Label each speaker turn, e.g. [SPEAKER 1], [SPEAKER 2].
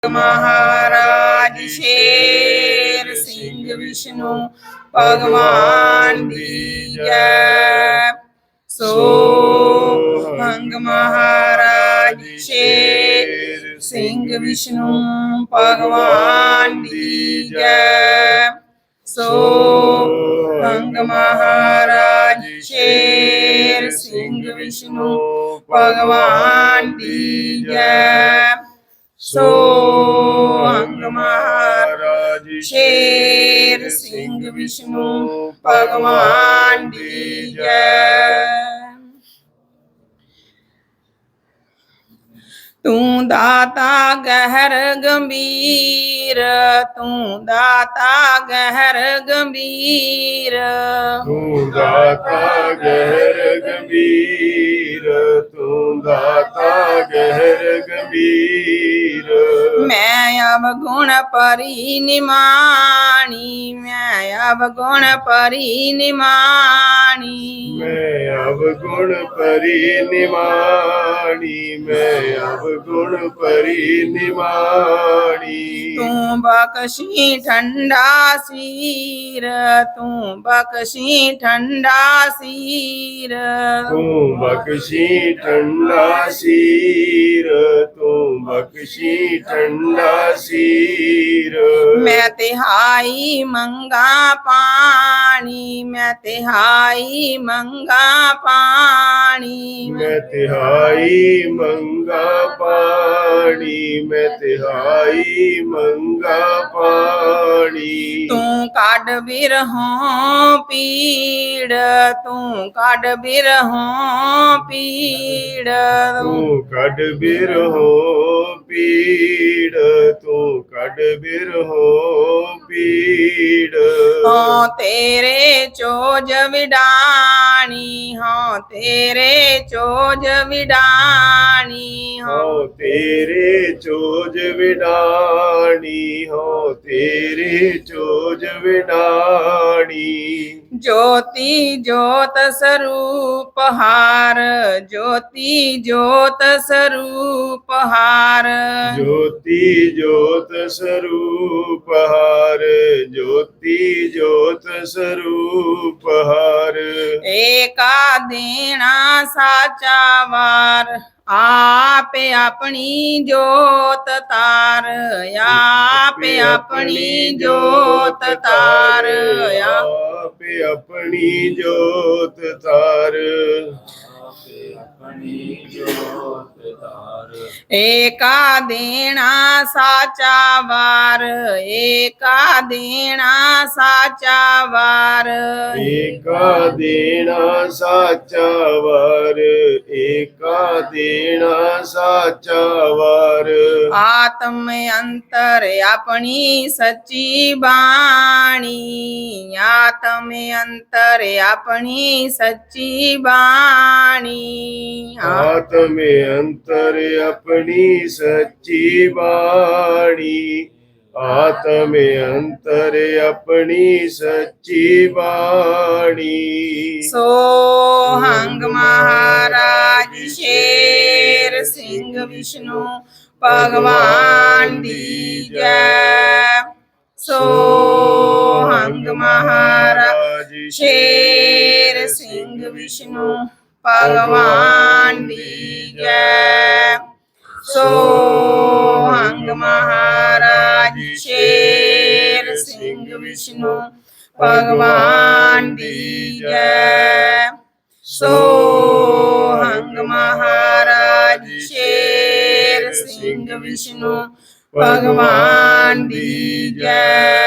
[SPEAKER 1] महाराज शेर सिंह विष्णु भगवान दी जय। सोहंग महाराज शेर सिंह विष्णु भगवान दी जय। सोहंग महाराज शेर सिंह विष्णु भगवान दी जय। सोहंग महाराज शेर सिंह विष्णु भगवान दी जय। तू दाता गहर गंभीर, तू दाता गहर गंभीर,
[SPEAKER 2] तू दाता गहर गंभीर, तू दाता गहर गंभीर।
[SPEAKER 1] मैं अवगुण परिनिमाणी, मैं अवगुण परिनिमाणी,
[SPEAKER 2] मैं अवगुण परिनिमाणी, मैं अवगुण परिनिमाणी।
[SPEAKER 1] तू बख्शी ठंडा सीर, तू बख्शी ठंडा सीर,
[SPEAKER 2] तू बख्शी ठंडा सीर, तू बख्शी ठंडा सीर।
[SPEAKER 1] मैं तिहाई मंगा पानी, मैं तिहाई मंगा पानी,
[SPEAKER 2] मैं तिहाई मंगा पानी, मैं तिहाई मंगा पानी।
[SPEAKER 1] तू काड बिरहों पीड़, तू काड बिरहों पीड़,
[SPEAKER 2] तू कड बिरहो पीड़, तू कड बिरहो पीड़।
[SPEAKER 1] हाँ तेरे चोज विडानी, हाँ तेरे चोज विडानी,
[SPEAKER 2] हो तेरे चोज विडानी, हो तेरे चोज विडानी।
[SPEAKER 1] ज्योति ज्योत स्वरूप हार, ज्योति ज्योत स्वरूप हार,
[SPEAKER 2] ज्योति ज्योत स्वरूप हार, ज्योति ज्योत स्वरूप हार।
[SPEAKER 1] एका देना साचा वार, आप अपनी जोत तार, आप अपनी जोत तार,
[SPEAKER 2] आप अपनी जोत तार।
[SPEAKER 1] एका देना साचा वार, एका देना साचा वार,
[SPEAKER 2] एका देना साचा वार, एका देना साचा वार।
[SPEAKER 1] आत्म अंतर अपनी सच्ची बाणी, आत्म अंतर अपनी सच्ची बाणी,
[SPEAKER 2] आत्म अंतर अपनी सच्ची वाणी, आत्म अंतर अपनी सच्ची वाणी।
[SPEAKER 1] सोहंग महाराज शेर सिंह विष्णु भगवान दी जय। सोहंग महाराज शेर सिंह विष्णु भगवान दी जय। सोहंग महाराज शेर सिंह विष्णु भगवान दी जय। सोहंग महाराज शेर सिंह विष्णु भगवान दी जय।